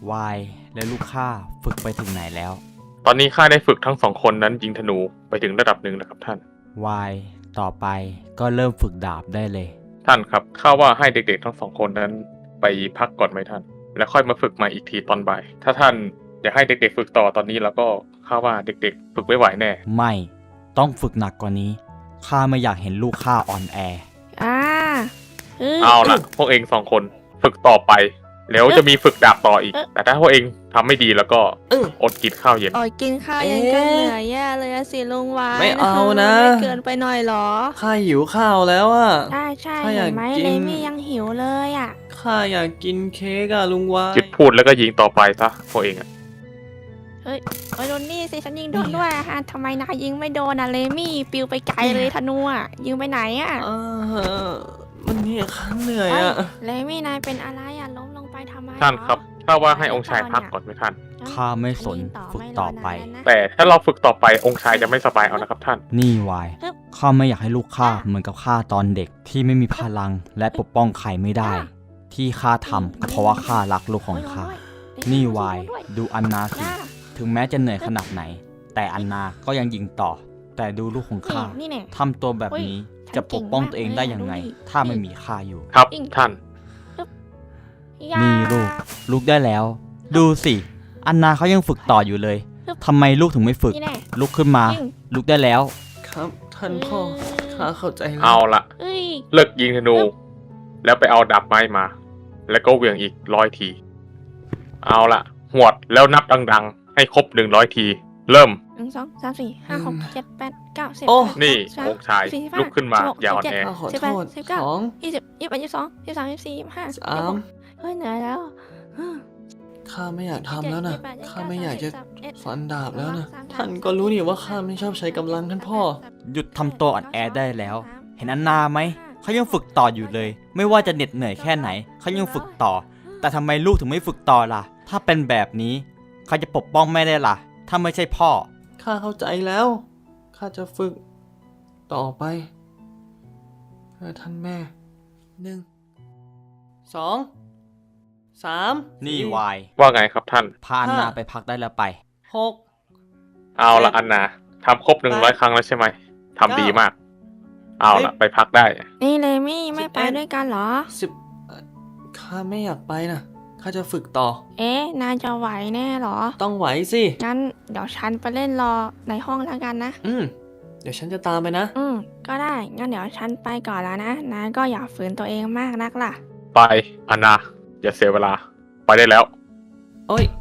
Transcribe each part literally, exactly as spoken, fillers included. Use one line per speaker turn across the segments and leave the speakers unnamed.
วายและลูกข้าฝึกไปถึงไหนแล้ว
ตอนนี้ข้าได้ฝึกทั้งสองคนนั้นยิงธนูไปถึงระดับหนึ่งแล้วครับท่าน
วายต่อไปก็เริ่มฝึกดาบได้เลย
ท่านครับข้าว่าให้เด็กๆทั้งสองคนนั้นไปพักก่อนไหมท่านแล้วค่อยมาฝึกใหม่อีกทีตอนบ่ายถ้าท่านอยากให้เด็กๆฝึกต่อตอนนี้แล้วก็ข้าว่าเด็กๆฝึกไม่ไหวแน่
ไม่ต้องฝึกหนักกว่านี้ข้าไม่อยากเห็นลูกข้าอ่อนแอ
อ่า
เอาล่ะพวกเองสองคนฝึกต่อไปแล้วจะมีฝึกดาบต่ออีกแต่ถ้าพวกเองทำไม่ดีแล้วก็อดกินข้าวเย็น
อดกินข้าวเย็นก็เหนื่อยแย่เลยสิลุงวาย
ไม่เอานะ
ไม่เกินไปหน่อยหรอ
ข้าหิวข้าวแล้วอ่ะ
ใช่ใช่เห็นไหมเลมี่ยังหิวเลยอ่ะ
ข้าอยากกินเค้กอะลุงวาย
หยุดพูดแล้วก็ยิงต่อไปซะพวกเองอะ
เฮ้ยโอ้ยโดนนี่สิฉันยิงโดนด้วยฮะทำไมนายยิงไม่โดนอะเลมี่ปิวไปไกลเลยธนูอะยิงไปไหนอะ
เออมันนี่ข้าเหนื่อยอะ
เลมี่นายเป็นอะไรอะล้มลงไปทำไม
ท่านครับถ้าว่าให้องค์ชายพักก่อนไหมท่าน
ข้าไม่สนฝึกต่อไป
แต่ถ้าเราฝึกต่อไปองค์ชายจะไม่สบายเอานะครับท่าน
นี่วายข้าไม่อยากให้ลูกข้าเหมือนกับข้าตอนเด็กที่ไม่มีพลังและปกป้องใครไม่ได้ที่ข้าทำก็เพราะว่าข้ารักลูกของข้านี่วายดูอันนาสิถึงแม้จะเหนื่อยขนาดไหนแต่อันนาก็ยังยิงต่อแต่ดูลูกของข้าทำตัวแบบนี้จะปกป้องตัวเองได้ยังไงถ้าไม่มีข้าอยู่
ครับท่าน
นี่ลูกลูกได้แล้วดูสิอันนาเขายังฝึกต่ออยู่เลยทำไมลูกถึงไม่ฝึกลุกขึ้นมาลุกได้แล้ว
ครับท่านพ่อข้าเข้าใจแล้ว
เอาละเลิกยิงธนูแล้วไปเอาดาบไม้มาแล้วก็เหวี่ยงอีกร้อยทีเอาละหวดแล้วนับดังๆให้ครบหนึ่งร้อยทีเริ่ม
หนึ่งสองสามสี่ห้าหกเจ็ดแปดเก้าสิบ
นี่องค์ชายลุกขึ้นมาอย่าอ่อนแอ
สิบแปดสิบเก้ายี่สิบยี่สิบเอ็ดยี่สิบสองยี่สิบสามยี่สิบสี่ยี่สิบห้าสามเฮ้ยเหนื่อยแล้ว
ข้าไม่อยากทำแล้วนะข้าไม่อยากจะฟันดาบแล้วนะท่านก็รู้นี่ว่าข้าไม่ชอบใช้กำลังท่านพ่อ
หยุดทำตัวอ่อนแอได้แล้วเห็นอันนาไหมเขายังฝึกต่ออยู่เลยไม่ว่าจะเหน็ดเหนื่อยแค่ไหนเขายังฝึกต่อแต่ทำไมลูกถึงไม่ฝึกต่อล่ะถ้าเป็นแบบนี้ใครจะปกป้องแม่ได้ล่ะถ้าไม่ใช่พ่อ
ข้าเข้าใจแล้วข้าจะฝึกต่อไปเพื่อท่านแม่หนึ่งสองสาม
นี่วาย
ว่าไงครับท่าน
พาอันนาไปพักได้แล้วไป
หก
เอาละอันนาทำครบหนึ่งร้อยครั้งแล้วใช่ไหมทำดีมากเอาละไปพักได้
นี่เลมี่ไม่ไปด้วยกันเหรอ
สิบข้าไม่อยากไปนะข้าจะฝึกต่อ
เอ๊ะนายจะไหวแน่หรอ
ต้องไหวสิ
งั้นเดี๋ยวฉันไปเล่นรอในห้องแล้วกันนะ
อืมเดี๋ยวฉันจะตามไปนะ
อืมก็ได้งั้นเดี๋ยวฉันไปก่อนแล้วนะนายก็อย่าฝืนตัวเองมากนักล่ะ
ไปอันนาอย่าเสียเวลาไปได้แล้ว
โอ้ย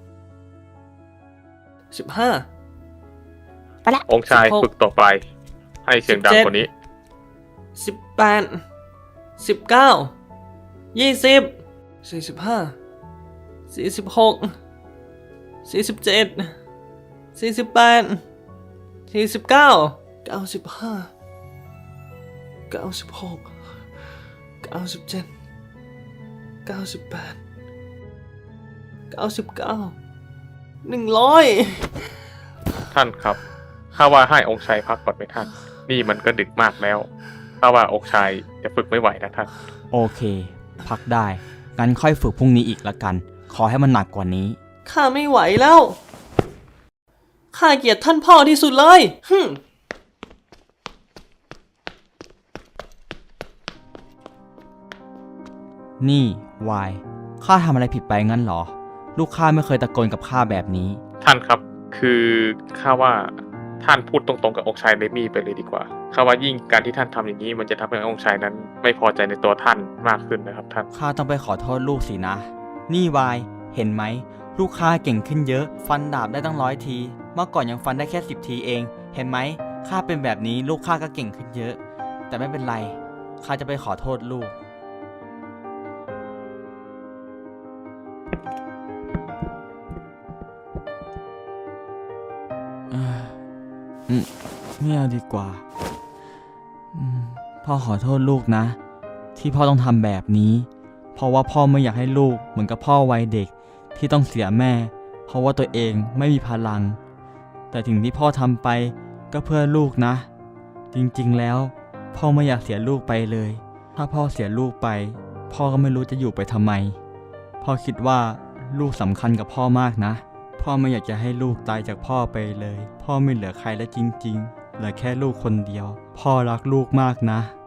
สิบห้า
ไปละ
องค์ชายฝึกต่อไปให้เสียงดังกว่านี้
สิบแปดสิบเก้ายี่สิบสี่สิบห้าสี่สิบหกสี่สิบเจ็ดสี่สิบแปดสี่สิบเก้าเก้าสิบห้าเก้าสิบหกเก้าสิบเจ็ดเก้าสิบแปดเก้าสิบเก้าหนึ่งร้อย
ท่านครับข้าว่าให้องค์ชายพักก่อนไหมท่านนี่มันก็ดึกมากแล้วข้าว่าองค์ชายจะฝึกไม่ไหวนะท่าน
โอเคพักได้งั้นค่อยฝึกพรุ่งนี้อีกละกันขอให้มันหนักกว่านี้
ข้าไม่ไหวแล้วข้าเกลียดท่านพ่อที่สุดเลยฮึ
นี่วายข้าทำอะไรผิดไปงั้นเหรอลูกข้าไม่เคยตะโกนกับข้าแบบนี้
ท่านครับคือข้าว่าท่านพูดตรงๆกับองค์ชายเลมี่ไปเลยดีกว่าข้าว่ายิ่งการที่ท่านทำอย่างนี้มันจะทำให้องค์ชายนั้นไม่พอใจในตัวท่านมากขึ้นนะครับท่าน
ข้าต้องไปขอโทษลูกสินะนี่วายเห็นไหมลูกข้าเก่งขึ้นเยอะฟันดาบได้ตั้งร้อยทีเมื่อก่อนยังฟันได้แค่สิบทีเองเห็นไหมข้าเป็นแบบนี้ลูกข้าก็เก่งขึ้นเยอะแต่ไม่เป็นไรข้าจะไปขอโทษลูกอืมไม่เอาดีกว่าพ่อขอโทษลูกนะที่พ่อต้องทำแบบนี้เพราะว่าพ่อไม่อยากให้ลูกเหมือนกับพ่อวัยเด็กที่ต้องเสียแม่เพราะว่าตัวเองไม่มีพลังแต่ถึงที่พ่อทำไปก็เพื่อลูกนะจริงๆแล้วพ่อไม่อยากเสียลูกไปเลยถ้าพ่อเสียลูกไปพ่อก็ไม่รู้จะอยู่ไปทำไมพ่อคิดว่าลูกสำคัญกับพ่อมากนะ พ่อไม่อยากจะให้ลูกตายจากพ่อไปเลย พ่อไม่เหลือใครแล้วจริงๆเหลือแค่ลูกคนเดียว พ่อรักลูกมากนะ